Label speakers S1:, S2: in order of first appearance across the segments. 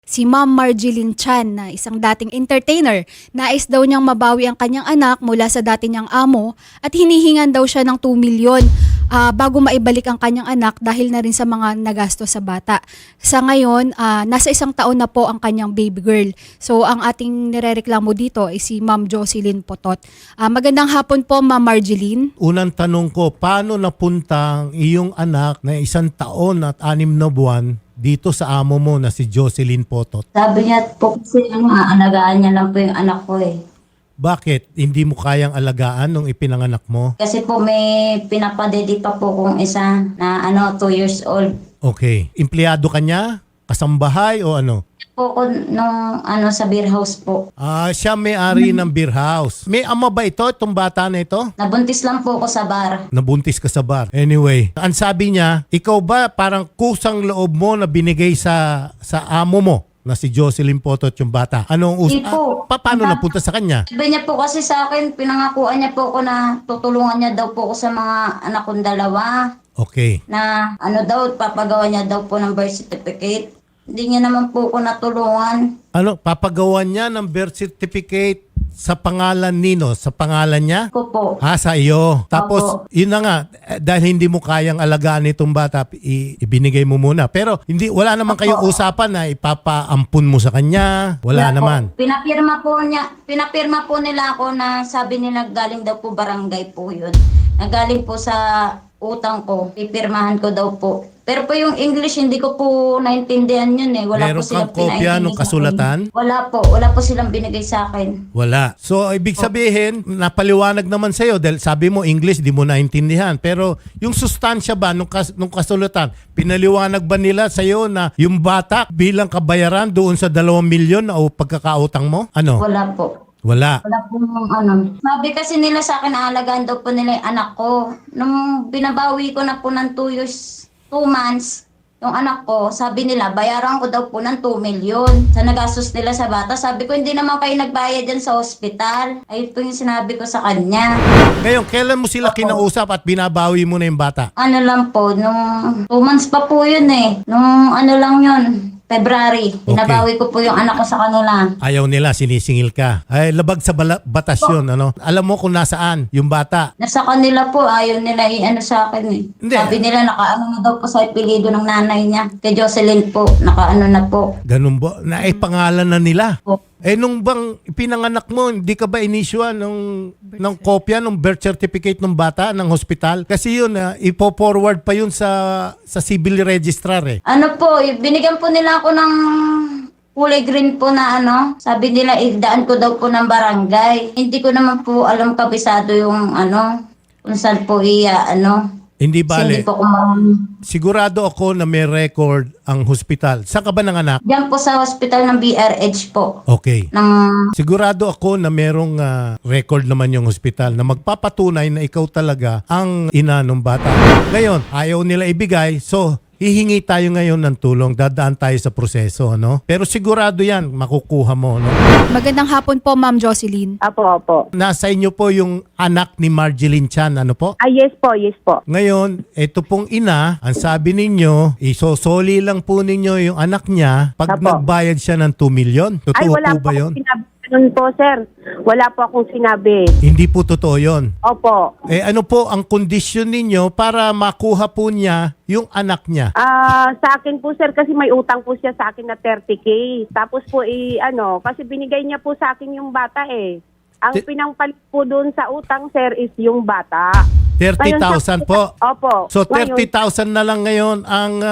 S1: Si Ma'am Marjeline Chan na isang dating entertainer, nais daw niyang mabawi ang kanyang anak mula sa dati niyang amo at hinihingan daw siya ng 2 milyon bago maibalik ang kanyang anak dahil na rin sa mga nagasto sa bata. Sa ngayon, nasa 1 taon na po ang kanyang baby girl. So ang ating nirereklamo dito ay si Ma'am Jocelyn Potot. Magandang hapon po, Ma'am Marjeline.
S2: Unang tanong ko, paano napunta ang iyong anak na 1 taon at 6 na buwan dito sa amo mo na si Jocelyn Potot?
S3: Sabi niya po kasi alagaan niya lang po yung anak ko eh.
S2: Bakit? Hindi mo kayang alagaan nung ipinanganak mo?
S3: Kasi po may pinapadedi pa po kong isa na 2 years old.
S2: Okay. Empleyado ka niya? Kasambahay o ano?
S3: Po ko nung sa beer house po.
S2: Siya may-ari ng beer house. May ama ba ito, itong bata na ito?
S3: Nabuntis lang po ako sa bar.
S2: Nabuntis ka sa bar. Anyway, ang sabi niya, ikaw ba parang kusang loob mo na binigay sa amo mo na si Jocelyn Potot yung bata? Anong
S3: Hindi po.
S2: paano napunta sa kanya?
S3: Sabi niya po kasi sa akin, pinangakuan niya po ako na tutulungan niya daw po ako sa mga anak kong 2.
S2: Okay.
S3: Na papagawa niya daw po ng birth certificate. Hindi niya naman po ako natulungan.
S2: Ano, papagawa niya ng birth certificate sa pangalan nino? Sa pangalan niya?
S3: Ko po.
S2: Sa iyo. Tapos,
S3: Opo.
S2: yun na nga, dahil hindi mo kayang alagaan itong bata, ibinigay mo muna. Pero, wala naman kayong usapan na ipapaampun mo sa kanya. Wala
S3: Kaya
S2: naman.
S3: Po, pinapirma po nila ako na sabi nila galing daw po barangay po yun. Nagaling po sa utang ko, pipirmahan ko daw po. Pero po yung English, hindi ko po naintindihan yun eh. Wala
S2: Meron
S3: po silang
S2: kang kopya
S3: pinaintindi
S2: ng
S3: sa
S2: kasulatan?
S3: akin. Wala po silang binigay sa akin.
S2: Wala. So, ibig sabihin, napaliwanag naman sa'yo dahil sabi mo English, di mo naintindihan. Pero yung sustansya ba nung kasulatan, pinaliwanag ba nila sa'yo na yung bata bilang kabayaran doon sa 2 milyon o pagkakautang mo? Ano?
S3: Wala po.
S2: Wala.
S3: Wala po Sabi kasi nila sa akin, aalagaan daw po nila yung anak ko. Nung binabawi ko na po ng 2 months, yung anak ko, sabi nila, bayaran ko daw po ng 2 milyon sa nagastos nila sa bata. Sabi ko, hindi naman kayo nagbayad dyan sa ospital. Ayun po yung sinabi ko sa kanya.
S2: Ngayon, kailan mo sila kinausap at binabawi mo na yung bata?
S3: Ano lang po, nung 2 months pa po yun eh. Nung lang yun, February. Binabawi ko po yung anak ko sa kanila.
S2: Ayaw nila, sinisingil ka. Ay, labag sa batas yun, ano? Alam mo kung nasaan yung bata.
S3: Nasa kanila po, ayaw nila sa akin eh.
S2: Hindi.
S3: Sabi nila, nakaano na daw po sa apelido ng nanay niya. Kay Jocelyn po, nakaano na po.
S2: Ganun ba? Naipangalan na nila.
S3: Po.
S2: Nung bang pinanganak mo, hindi ka ba inisyuan ng kopya ng birth certificate ng bata ng hospital? Kasi yun, ipo-forward pa yun sa civil registrar eh.
S3: Ano po, binigyan po nila ako ng kulay green po na sabi nila idaan ko daw po ng barangay. Hindi ko naman po alam kabisado yung kung saan po
S2: Hindi
S3: Kasi
S2: bale.
S3: hindi po ko
S2: Sigurado ako na may record ang hospital. Saan ka ba nanganak?
S3: Diyan po sa hospital ng BRH po.
S2: Okay.
S3: Ng
S2: Sigurado ako na merong record naman yung hospital na magpapatunay na ikaw talaga ang ina ng bata. Ngayon, ayaw nila ibigay, so hihingi tayo ngayon ng tulong. Dadaan tayo sa proseso, no? Pero sigurado yan, makukuha mo, no?
S1: Magandang hapon po, Ma'am Jocelyn.
S4: Opo.
S2: Nasa inyo po yung anak ni Marjeline Chan, ano po?
S4: Yes po.
S2: Ngayon, ito pong ina, ang sabi ninyo, isosoli lang po ninyo yung anak niya pag
S4: Apo.
S2: nagbayad siya ng 2 milyon. Totoo
S4: wala
S2: po ba yun?
S4: akong sinabi ganun po, sir. Wala po akong sinabi.
S2: Hindi po totoo yun.
S4: Opo.
S2: Ano po ang kondisyon ninyo para makuha po niya yung anak niya?
S4: Sa akin po, sir, kasi may utang po siya sa akin na 30K. Tapos po, kasi binigay niya po sa akin yung bata eh. Ang pinangpalit po doon sa utang, sir, is yung bata.
S2: 30,000 po.
S4: Opo.
S2: So
S4: Ngayon,
S2: 30,000 na lang ngayon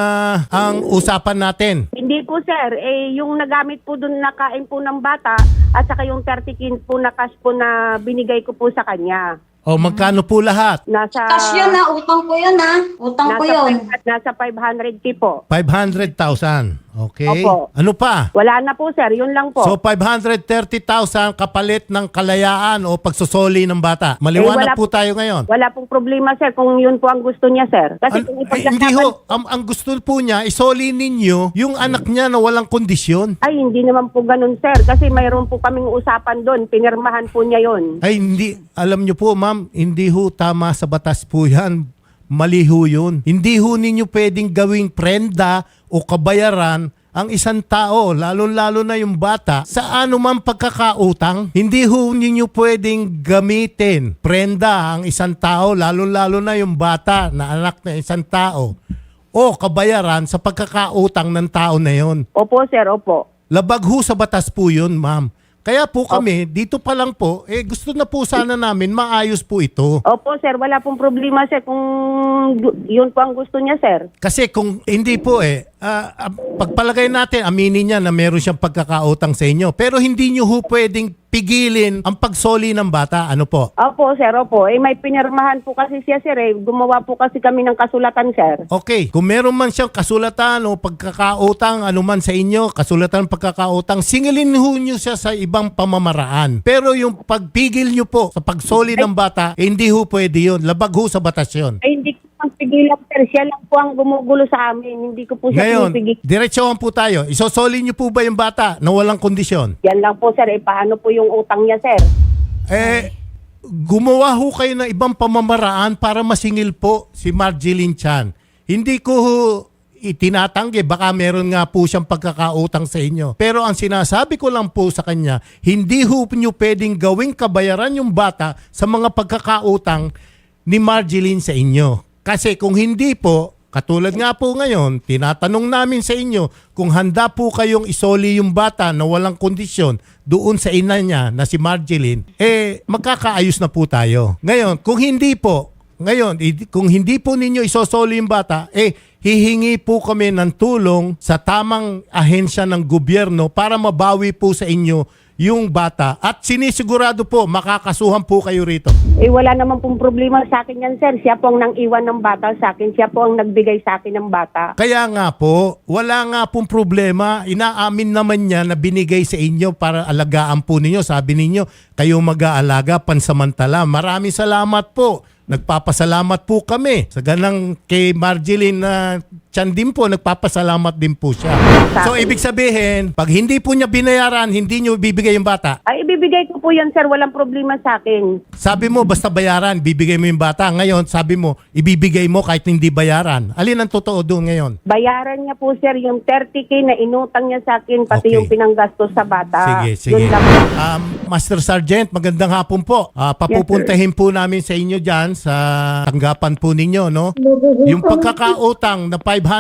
S2: ang usapan natin.
S4: hindi po, sir. Yung nagamit po doon na kain po ng bata at saka yung 30K po na cash po na binigay ko po sa kanya.
S2: O magkano po lahat?
S4: Nasa...
S3: cash yun utang ko yun Utang ko yun.
S4: Nasa 500K po.
S2: 500,000. Okay.
S4: Opo.
S2: Ano pa?
S4: Wala na po, sir. Yun lang po.
S2: So 530,000 kapalit ng kalayaan o pagsusoli ng bata. Maliwanag
S4: wala
S2: po tayo ngayon.
S4: Wala pong problema, sir, kung yun po ang gusto niya, sir. Kasi kung
S2: Hindi ho. Ang gusto po niya, isoli ninyo yung anak niya na walang kondisyon.
S4: Ay, hindi naman po ganun, sir. Kasi mayroon po kaming usapan doon. Pinirmahan po niya yun.
S2: Ay, hindi. Alam niyo po, ma'am, hindi ho tama sa batas po yan. Mali ho yun. Hindi ho ninyo pwedeng gawing prenda o kabayaran ang isang tao, lalo-lalo na yung bata, sa anumang pagkakautang, hindi ho ninyo pwedeng gamitin, prenda ang isang tao, lalo-lalo na yung bata na anak ng isang tao, o kabayaran sa pagkakautang ng tao na yon.
S4: Opo, sir, opo.
S2: Labag ho sa batas po yun, ma'am. Kaya po kami, dito pa lang po, gusto na po sana namin maayos po ito.
S4: Opo, sir, wala pong problema, sir, kung yun po ang gusto niya, sir.
S2: Kasi kung hindi po pagpalagay natin, aminin niya na meron siyang pagkakautang sa inyo. Pero hindi niyo ho pwedeng pigilin ang pagsoli ng bata. Ano po?
S4: Opo, sir, opo. May pinirmahan po kasi siya, sir. Gumawa po kasi kami ng kasulatan, sir.
S2: Okay, kung meron man siyang kasulatan o pagkakautang, ano man sa inyo, kasulatan pagkakautang, singilin ho niyo siya sa ibang pamamaraan. Pero yung pagpigil niyo po sa pagsoli ng bata, hindi ho pwede yun. Labag ho sa batas yun.
S4: Ay, hindi ko pang pigilan, sir. Siya lang po ang gumugulo sa amin. Hindi ko po siya
S2: Ngayon,
S4: pinipigil.
S2: diretsohan po tayo. Isosoli niyo po ba yung bata na walang kondisyon?
S4: Yan lang po, sir. Paano po yung utang niya, sir?
S2: Gumawa ho kayo ng ibang pamamaraan para masingil po si Marjeline Chan. Hindi ko ho itinatanggi, baka meron nga po siyang pagkakautang sa inyo. Pero ang sinasabi ko lang po sa kanya, hindi ho nyo pwedeng gawing kabayaran yung bata sa mga pagkakautang ni Marjeline sa inyo. Kasi kung hindi po, katulad nga po ngayon, tinatanong namin sa inyo kung handa po kayong isoli yung bata na walang kondisyon doon sa ina niya na si Marjeline, magkakaayos na po tayo. Ngayon, kung hindi po ninyo isosoli yung bata, hihingi po kami ng tulong sa tamang ahensya ng gobyerno para mabawi po sa inyo yung bata. At sinisigurado po, makakasuhan po kayo rito.
S4: Wala naman pong problema sa akin yan, sir. Siya po ang nang iwan ng bata sa akin. Siya po ang nagbigay sa akin ng bata.
S2: Kaya nga po, wala nga pong problema. Inaamin naman niya na binigay sa inyo para alagaan po ninyo. Sabi ninyo, kayo mag-aalaga pansamantala. Maraming salamat po. Nagpapasalamat po kami. Sa ganang kay Marjeline na Chan din po, nagpapasalamat din po siya. So, ibig sabihin, pag hindi po niya binayaran, hindi niyo bibigay yung bata.
S4: Ay, ibibigay ko po yan, sir. Walang problema sa akin.
S2: Sabi mo, basta bayaran, bibigay mo yung bata. Ngayon, sabi mo, ibibigay mo kahit hindi bayaran. Alin ang totoo doon ngayon?
S4: Bayaran niya po, sir, yung 30K na inutang niya sa akin, pati
S2: Okay.
S4: yung pinanggastos sa bata.
S2: Sige.
S4: Yun lang.
S2: Master Sergeant, magandang hapon po. Papupuntahin po namin sa inyo dyan sa tanggapan po ninyo, no? Yung pagkakautang na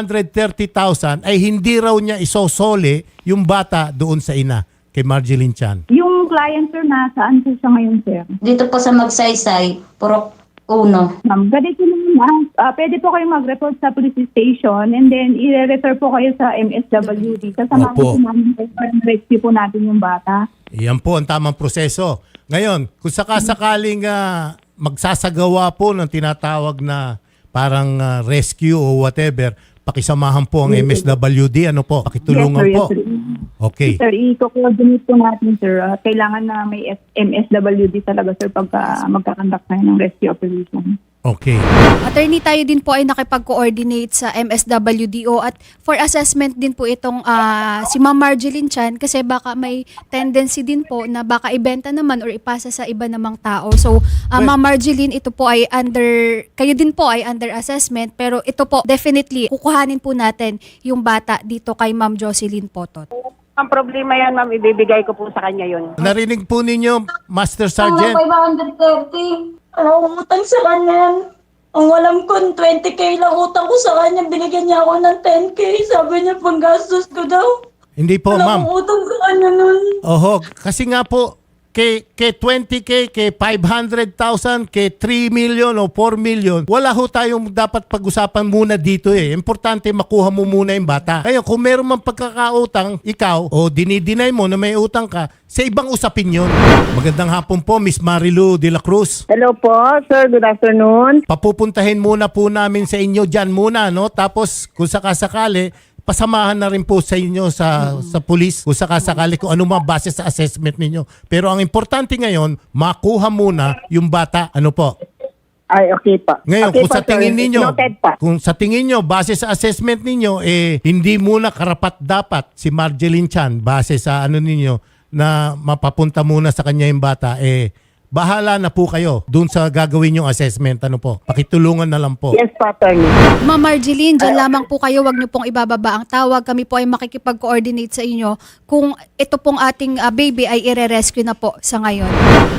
S2: 530,000 ay hindi raw niya isosole yung bata doon sa ina kay Marjeline Chan.
S5: Yung client, sir, nasaan po siya ngayon, sir?
S3: Dito po sa Magsaysay, Purok 1.
S5: Ma'am, ganito naman, pwede po kayong mag-report sa police station and then i-refer po kayo sa MSWD. Kasamahan
S2: Opo.
S5: po namin kayo para rescue po natin yung bata.
S2: Iyan po ang tamang proseso. Ngayon, kung sakasakaling magsasagawa po ng tinatawag na parang rescue o whatever, pakisamahan po ang MSWD. Ano po? Pakitulungan
S5: Yes, sir,
S2: po.
S5: yes, sir.
S2: Okay.
S5: Sir, i-coordinate po natin, sir. Kailangan na may MSWD talaga, sir, pagka magkakandak tayo ng rescue operation.
S2: Okay.
S1: Attorney, tayo din po ay nakipag-coordinate sa MSWDO at for assessment din po itong si Ma'am Marjeline Chan kasi baka may tendency din po na baka ibenta naman or ipasa sa iba namang tao. So, Ma'am Marjeline, ito po ay kayo din po ay under assessment pero ito po definitely kukuhanin po natin yung bata dito kay Ma'am Jocelyn Potot.
S4: Ang problema yan, ma'am, ibibigay ko po sa kanya yun.
S2: Narinig po ninyo, Master Sergeant?
S3: 530. Ano, utang sa kanya. Ang alam ko, 20K lang utang ko sa kanya. Binigyan niya ako ng 10K. Sabi niya, panggastos ko daw.
S2: Hindi po,
S3: Wala
S2: ma'am.
S3: akong utang sa kanya nun.
S2: Oho, kasi nga po, kay 20K, kay 500,000, kay 3 million o 4 million, wala ho tayong dapat pag-usapan muna dito eh. Importante makuha mo muna yung bata. Kaya kung meron mang pagkakautang, ikaw, o dinideny mo na may utang ka, sa ibang usapin yun. Magandang hapon po, Miss Marilu de la Cruz.
S4: Hello po, sir. Good afternoon.
S2: Papupuntahin muna po namin sa inyo dyan muna, no? Tapos, kung sakasakali, pasamahan na rin po sa inyo sa pulis kung sakasakali kung ano mga base sa assessment ninyo. Pero ang importante ngayon, makuha muna yung bata. Ano po?
S4: Ay, okay po.
S2: Ngayon,
S4: Okay
S2: kung
S4: po,
S2: sa tingin
S4: sir.
S2: ninyo,
S4: Noted po.
S2: kung sa tingin nyo, base sa assessment ninyo, hindi muna karapat dapat si Marjeline Chan, base sa ano ninyo, na mapapunta muna sa kanya yung bata, bahala na po kayo dun sa gagawin yung assessment. Ano po? Pakitulungan na lang po.
S4: Yes po, attorney.
S1: Ma'am Marjeline, dyan lamang po kayo. Wag niyo pong ibababa ang tawag. Kami po ay makikipag-coordinate sa inyo kung ito pong ating baby ay ire-rescue na po sa ngayon.